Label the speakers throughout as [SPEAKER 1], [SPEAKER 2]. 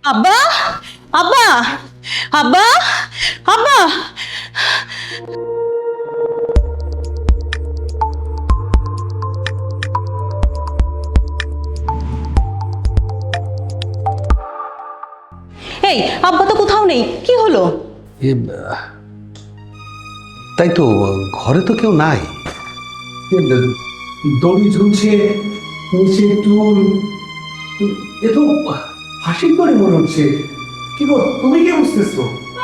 [SPEAKER 1] আব্বা, আব্বা, আব্বা, আব্বা। এই আব্বা তো কোথাও নেই, কি হলো?
[SPEAKER 2] তাই তো, ঘরে তো কেউ নাই। দড়ি ঝুলছে, নিচে টুল, এ তো হাসির করে মনে হচ্ছে। কি গো, তুমি কি বুঝতেছো?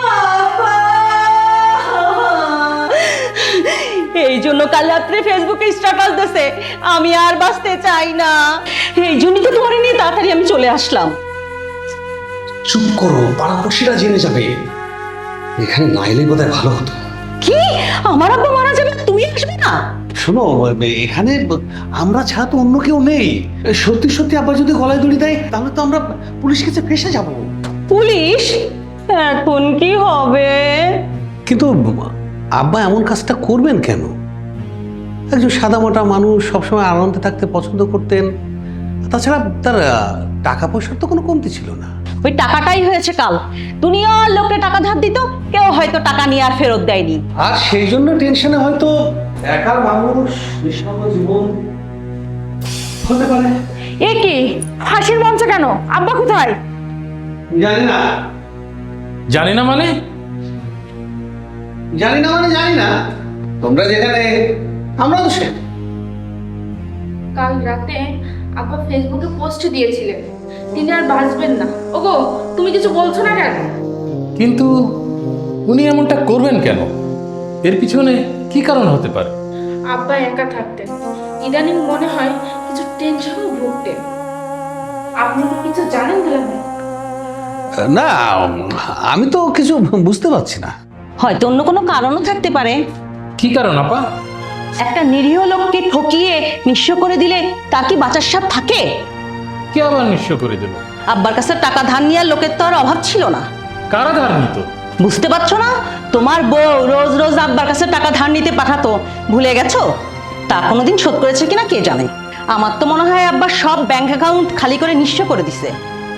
[SPEAKER 1] এই জন্য কাল রাত্রে ফেসবুকে স্ট্যাটাস দিছে আমি আর বাঁচতে চাই না। এই জন্যই তো তোমার নিয়ে তাড়াতাড়ি আমি চলে আসলাম।
[SPEAKER 2] চুপ করো, পাড়াপড়শিরা জেনে যাবে। এখানে না এলে বোধহয় ভালো হতো।
[SPEAKER 1] কি, আমার আব্বা মারা যাবে, তুমি আসবে না?
[SPEAKER 2] শোনো, এখানে আমরা ছাড়া তো অন্য কেউ নেই। সত্যি সত্যি আবার যদি গলায় দড়ি দেয় তাহলে তো আমরা পুলিশ কাছে ফেসে যাব।
[SPEAKER 1] পুলিশ? এখন কি হবে?
[SPEAKER 2] কিন্তু আব্বা এমন কাজটা করবেন কেন? একজন সাদামাটা মানুষ, সবসময় আনন্দে থাকতে পছন্দ করতেন। তাছাড়া তার টাকা পয়সার তো কোনো কমতি ছিল না।
[SPEAKER 1] ওই টাকাটাই হয়েছে কাল। দুনিয়ার লোককে টাকা ধার দিত, কেউ হয়তো টাকা নিয়ে আর ফেরত দেয়নি।
[SPEAKER 2] আর সেই জন্য টেনশনে হয়তো একা মানুষ বিষণ্ণ জীবন হতে পারে।
[SPEAKER 3] এ কি হাসির মঞ্চ কেন? আব্বা কোথায়?
[SPEAKER 2] জানি না।
[SPEAKER 4] জানি না মানে?
[SPEAKER 2] জানি না মানে জানি না। তোমরা যেখানে, আমরা তো সে।
[SPEAKER 3] কাল রাতে আব্বা ফেসবুকে পোস্ট দিয়েছিলেন তিনি আর বাঁচবেন না। ওগো, তুমি কিছু বলছো না কেন?
[SPEAKER 4] কিন্তু উনি এমনটা করবেন কেন? এর পিছনে কি কারণ হতে পারে?
[SPEAKER 3] আব্বা একা থাকতেন, ইদানিং মনে হয় কিছু টেনশনও ভুগতেন। আপনি কি কিছু জানেন দুলাভাই?
[SPEAKER 2] না, আমি তো কিছু বুঝতে পারছি না।
[SPEAKER 1] হয়তো অন্য কোনো কারণও থাকতে পারে।
[SPEAKER 4] কি কারণ আপা?
[SPEAKER 1] একটা নিরীহ লোককে ঠকিয়ে নিঃস্ব করে দিলে তার কি বাঁচার সাথ থাকে?
[SPEAKER 4] কে আবার নিঃস্ব করে দিল?
[SPEAKER 1] আব্বার কাছে টাকা ধার নেওয়ার লোকের তো আর অভাব ছিল না।
[SPEAKER 4] কারা ধার নিত?
[SPEAKER 1] বুঝতে পারছো না? তোমার বউ রোজ রোজ আব্বার কাছে টাকা ধার নিতে পাঠাতো, ভুলে গেছো? তা কোনোদিন শোধ করেছে কিনা কে জানে। আমার তো মনে হয় আব্বার সব ব্যাংক অ্যাকাউন্ট খালি করে নিঃস্ব করে দিছে।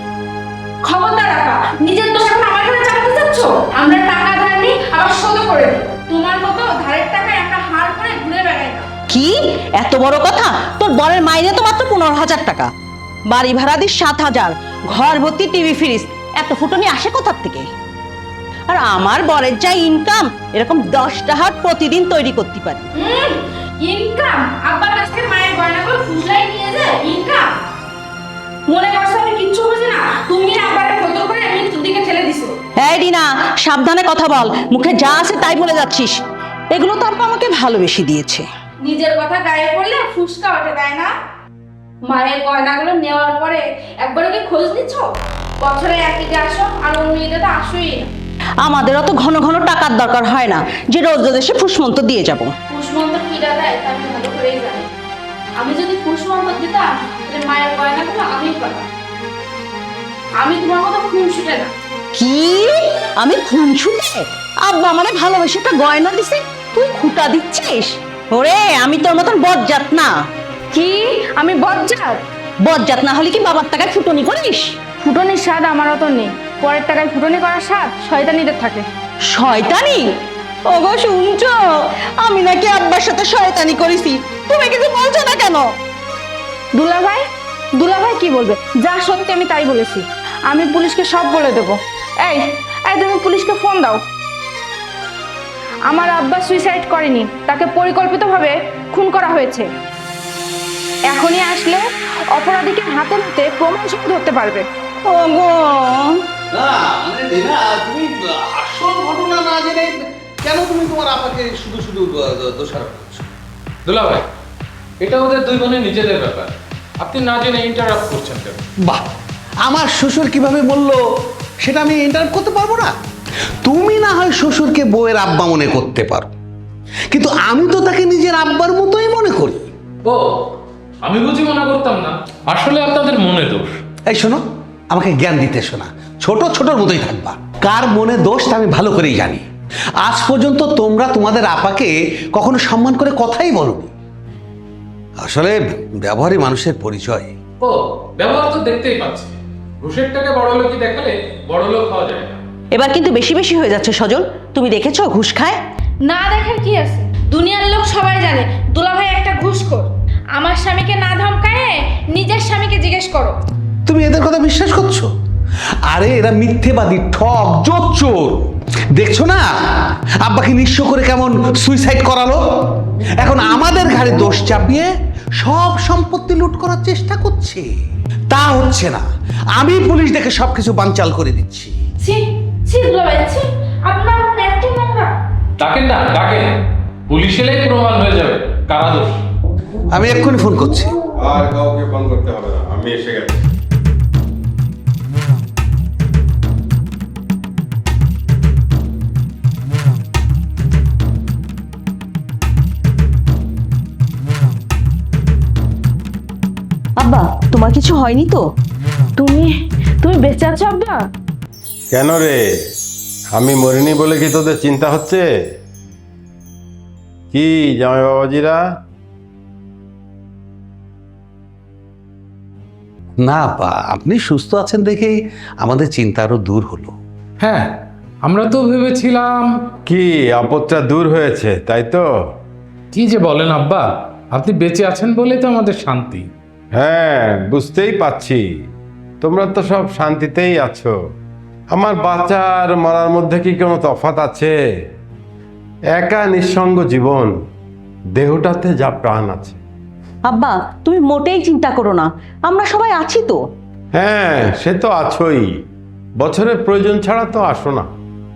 [SPEAKER 3] খবরদার আপা, নিজের দোষ এখন আমার ঘরে চাপতে চাচ্ছ? আমরা টাকা ধার নিই আবার শোধ করে দিই। তোমার মতো ধারের টাকায় আমরা হার করে ঘুরে বেড়াই না।
[SPEAKER 1] কি এত বড় কথা? তোর বরের মাইনে তো মাত্র 15,000 টাকা, বাড়ি ভাড়া দিস 7,000, ঘর ভর্তি টিভি ফ্রিজ, এত ফুটনি আসে কোথার থেকে? আর আমার বরের যা ইনকাম, এরকম 10টা হাট প্রতিদিন তৈরি করতে পারি।
[SPEAKER 3] ইনকাম? আব্বার কাছ থেকে মায়ের গয়নাগুলো ফুসলাই নিয়ে যায় ইনকাম? মনে করছো আমি কিচ্ছু বুঝি না? তুমি আব্বারে ফটো করে মৃত্যুর দিকে ঠেলে দিছো।
[SPEAKER 1] এই রিনা, সাবধানে কথা বল, মুখে যা আছে তাই বলে যাচ্ছিস। এগুলো তো আব্বা আমাকে ভালোবেসে দিয়েছে।
[SPEAKER 3] নিজের কথা গায়ে পড়লে ফুসকা ওঠে, তাই না? মায়ের গয়নাগুলো নেওয়ার পরে একবারও কি খোঁজ নিচ্ছ? বছরে এক ঈদে আসো আর অন্য ঈদে তো আসোই না।
[SPEAKER 1] আমাদের অত ঘন ঘন টাকার দরকার হয় না যে রোজ রোজ এসে ফুসমন্ত দিয়ে যাব।
[SPEAKER 3] ফুসমন্ত কিরা দেয় তা আমি ভালো করেই জানি। আমি যদি ফুসমন্ত দিতাম তাহলে মায়ের গয়নাগুলো আমি পাতাম। আমি তোমার মতো খুন ছুটে না।
[SPEAKER 1] কি? আমি খুনছুটে? আব্বা আমারে ভালোবেসে একটা গয়না দিছে, তুই খুঁটা দিচ্ছিস? ওরে, আমি তোর মতন বজ্জাত না।
[SPEAKER 3] কি? আমি বজ্জাত?
[SPEAKER 1] বজ্জাত না হলে কি বাবার টাকায় ফুটনি করিস?
[SPEAKER 3] ফুটনির স্বাদ আমার অত নেই। পরের টাকায় ফুটনি করার স্বাদ শয়তানিদের থাকে।
[SPEAKER 1] শয়তানি? ওগো শুনছো, আমি নাকি আব্বার সাথে শয়তানি করেছি, তুমি কিছু বলছো না কেন?
[SPEAKER 3] দুলাভাই, দুলাভাই কি বলবে? যা সত্যি আমি তাই বলেছি। আমি পুলিশকে সব বলে দেবো। এই এই তুমি পুলিশকে ফোন দাও। আমার আব্বা সুইসাইড করেনি, তাকে পরিকল্পিতভাবে খুন করা হয়েছে। এখনই আসলে অপরাধীকে হাতে নাতে প্রমাণ সহ ধরতে পারবে।
[SPEAKER 1] ওগো,
[SPEAKER 2] না মানে রিনা, তুমি আসল ঘটনা না জেনে কেন তুমি তোমার আপাকে শুধু শুধু দোষারোপ করছো?
[SPEAKER 4] দুলা ভাই, এটা ওদের দুই বোনের নিজেদের ব্যাপার, আপনি না জেনে ইন্টারাপ্ট করছেন কেন?
[SPEAKER 2] বাহ, আমার শ্বশুর কিভাবে বললো সেটা আমি ইন্টারাপ্ট করতে পারবো না? তুমি না হয় শ্বশুরকে বউয়ের আব্বা মনে করতে পারো, কিন্তু আমি তো তাকে নিজের আব্বার মতোই মনে করি।
[SPEAKER 4] ও, আমি বুঝি মনে করতাম না। আসলে আপনাদের মনে দোষ।
[SPEAKER 2] এই শোনো, আমাকে জ্ঞান দিতে শোনা, ছোট ছোটর মতোই থাকবা। কার মনে দোষ তা আমি ভালো করেই জানি। আজ পর্যন্ত তোমরা তোমাদের আপাকে কখনো সম্মান করে কথাই বলোনি। আসলে ব্যবহারই মানুষের পরিচয়।
[SPEAKER 4] ও, ব্যবহার তো দেখতেই পাচ্ছি। ঘুষের টাকা বড় লোকই দেখালে বড় লোক হওয়া যায় না।
[SPEAKER 1] এবার কিন্তু বেশি বেশি হয়ে যাচ্ছে সজল। তুমি দেখেছো ঘুষ খায়?
[SPEAKER 3] না দেখার কি আছে, দুনিয়ার লোক সবাই জানে দুলাভাই একটা ঘুষখোর। আমার স্বামীকে না ধমকায় নিজের স্বামীকে জিজ্ঞেস করো।
[SPEAKER 2] তুমি এদের কথা বিশ্বাস করছো? আরে এরা মিথ্যেবাদী, ঠক, জোচ্চোর। দেখছো না আব্বাকে নিঃস্ব করে কেমন সুইসাইড করালো? এখন আমাদের ঘাড়ে দোষ চাপিয়ে সব সম্পত্তি লুট করার চেষ্টা করছে। তা হচ্ছে না, আমি পুলিশ দেখে সবকিছু বানচাল করে দিচ্ছি।
[SPEAKER 3] ছি ছি দুলাভাই ছি, আপনার মন এত নোংরা।
[SPEAKER 4] ডাকেন না, ডাকেন, পুলিশ এলেই প্রমাণ হয়ে যাবে কারা দোষ।
[SPEAKER 2] আমি এক্ষুনি ফোন করছি।
[SPEAKER 5] আর কাউকে ফোন করতে হবে না, আমি এসে গেছি।
[SPEAKER 1] আব্বা তোমার কিছু হয়নি তো?
[SPEAKER 3] তুমি তুমি বেঁচে আছো আব্বা?
[SPEAKER 5] কেন রে, আমি মরিনি বলে কি তোদের চিন্তা হচ্ছে? কি জামাই বাবাজিরা?
[SPEAKER 2] না আব্বা, আপনি সুস্থ আছেন দেখেই আমাদের চিন্তা আরো দূর হলো।
[SPEAKER 4] হ্যাঁ, আমরা তো ভেবেছিলাম।
[SPEAKER 5] কি আপদটা দূর হয়েছে তাই তো?
[SPEAKER 4] কি যে বলেন আব্বা, আপনি বেঁচে আছেন বলে তো আমাদের শান্তি।
[SPEAKER 5] হ্যাঁ, বুঝতেই পাচ্ছি তোমরা তো সব শান্তিতেই আছো। আমার বাঁচার মরার মধ্যে কি কোনো তফাৎ আছে? একা নিঃসঙ্গ জীবন, দেহটাতে যা প্রাণ আছে।
[SPEAKER 1] আব্বা তুমি মোটেই চিন্তা করো না, আমরা সবাই আছি তো।
[SPEAKER 5] হ্যাঁ, সে তো আছোই, বছরের প্রয়োজন ছাড়া তো আসো না।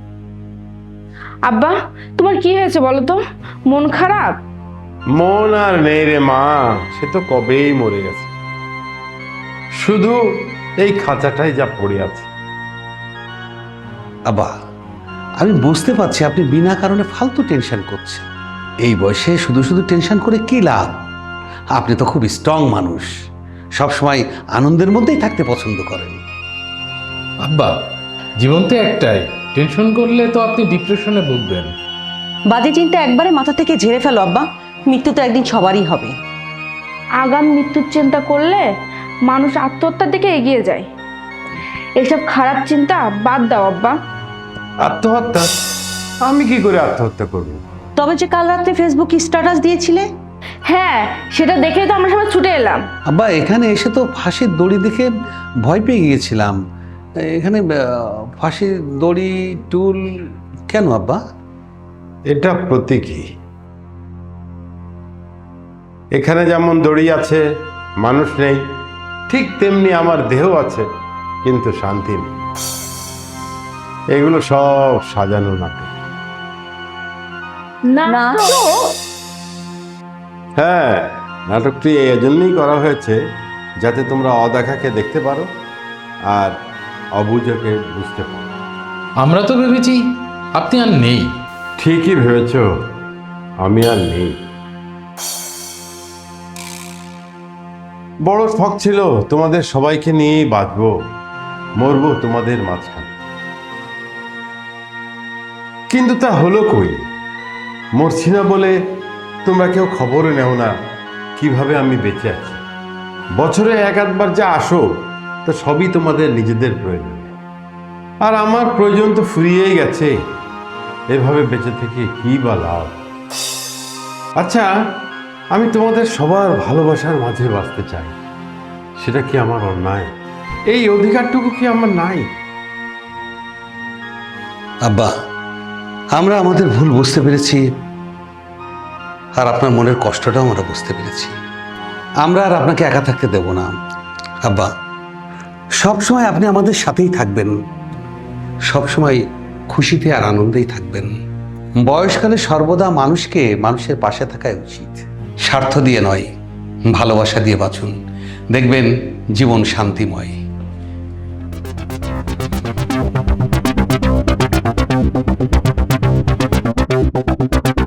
[SPEAKER 3] আব্বা তোমার কি হয়েছে বলো তো, মন খারাপ?
[SPEAKER 5] মন আর নেই রে মা, সে তো কবেই মরে গেছে। শুধু এই খাঁচাটাই যা পড়ে আছে।
[SPEAKER 2] আব্বা আমি বুঝতে পারছি আপনি বিনা কারণে ফালতু টেনশন করছেন। এই বয়সে শুধু শুধু টেনশন করে কি লাভ? আপনি তো খুব স্ট্রং মানুষ, সবসময় আনন্দের মধ্যেই থাকতে পছন্দ করেন।
[SPEAKER 4] আব্বা জীবন তো একটাই, টেনশন করলে তো আপনি ডিপ্রেশনে ভুগবেন।
[SPEAKER 1] বাজে চিন্তা একবারে মাথা থেকে ঝেড়ে ফেলো আব্বা, মৃত্যু তো একদিন সবারই হবে।
[SPEAKER 3] আগাম মৃত্যুর চিন্তা করলে মানুষ আত্মহত্যার দিকে এগিয়ে যায়। এসব খারাপ চিন্তা বাদ দাও আব্বা।
[SPEAKER 5] আত্মহত্যা? আমি কি করে আত্মহত্যা করব?
[SPEAKER 1] তবে যে কাল রাত্রে ফেসবুকে স্ট্যাটাস দিয়েছিলে।
[SPEAKER 3] হ্যাঁ, সেটা দেখেই তো আমরা সবাই ছুটে এলাম।
[SPEAKER 2] আব্বা এখানে এসে তো ফাঁসির দড়ি দেখে ভয় পেয়ে গিয়েছিলাম। এখানে ফাঁসির দড়ি টুল কেন আব্বা?
[SPEAKER 5] এটা প্রতীকী। এখানে যেমন দড়ি আছে, মানুষ নেই, ঠিক তেমনি আমার দেহ আছে, কিন্তু শান্তি নেই। এগুলো সব সাজানো নাটক।
[SPEAKER 1] না তো।
[SPEAKER 5] হ্যাঁ, নাটকটি এই জন্যই করা হয়েছে যাতে তোমরা অদেখাকে দেখতে পারো আর অবুঝকে বুঝতে পারো।
[SPEAKER 4] আমরা তো ভেবেছি আপনি আর নেই।
[SPEAKER 5] ঠিকই ভেবেছ, আমি আর নেই। বড় শখ ছিল তোমাদের সবাইকে নিয়েই বাঁচবো, মরবো তোমাদের মাঝখানে। কিন্তু তা হলো কই? মরছি না বলে তোমরা কেউ খবরও নেও না কিভাবে আমি বেঁচে আছি। বছরে এক আধবার যা আসো তো সবই তোমাদের নিজেদের প্রয়োজন, আর আমার প্রয়োজন তো ফুরিয়েই গেছে। এভাবে বেঁচে থেকে কি বা লাভ? আচ্ছা, আমি তোমাদের সবার ভালোবাসার মাঝে বাঁচতে চাই, সেটা কি আমার অন্যায়? এই অধিকারটুকু কি আমার নাই?
[SPEAKER 2] আব্বা আমরা আমাদের ভুল বুঝতে পেরেছি, আর আপনার মনের কষ্টটাও আমরা বুঝতে পেরেছি। আমরা আর আপনাকে একা থাকতে দেব না আব্বা। সবসময় আপনি আমাদের সাথেই থাকবেন, সবসময় খুশিতে আর আনন্দেই থাকবেন। বয়সকালে সর্বদা মানুষের পাশে থাকাই উচিত। স্বার্থ দিয়ে নয়, ভালোবাসা দিয়ে বাঁচুন, দেখবেন জীবন শান্তিময়।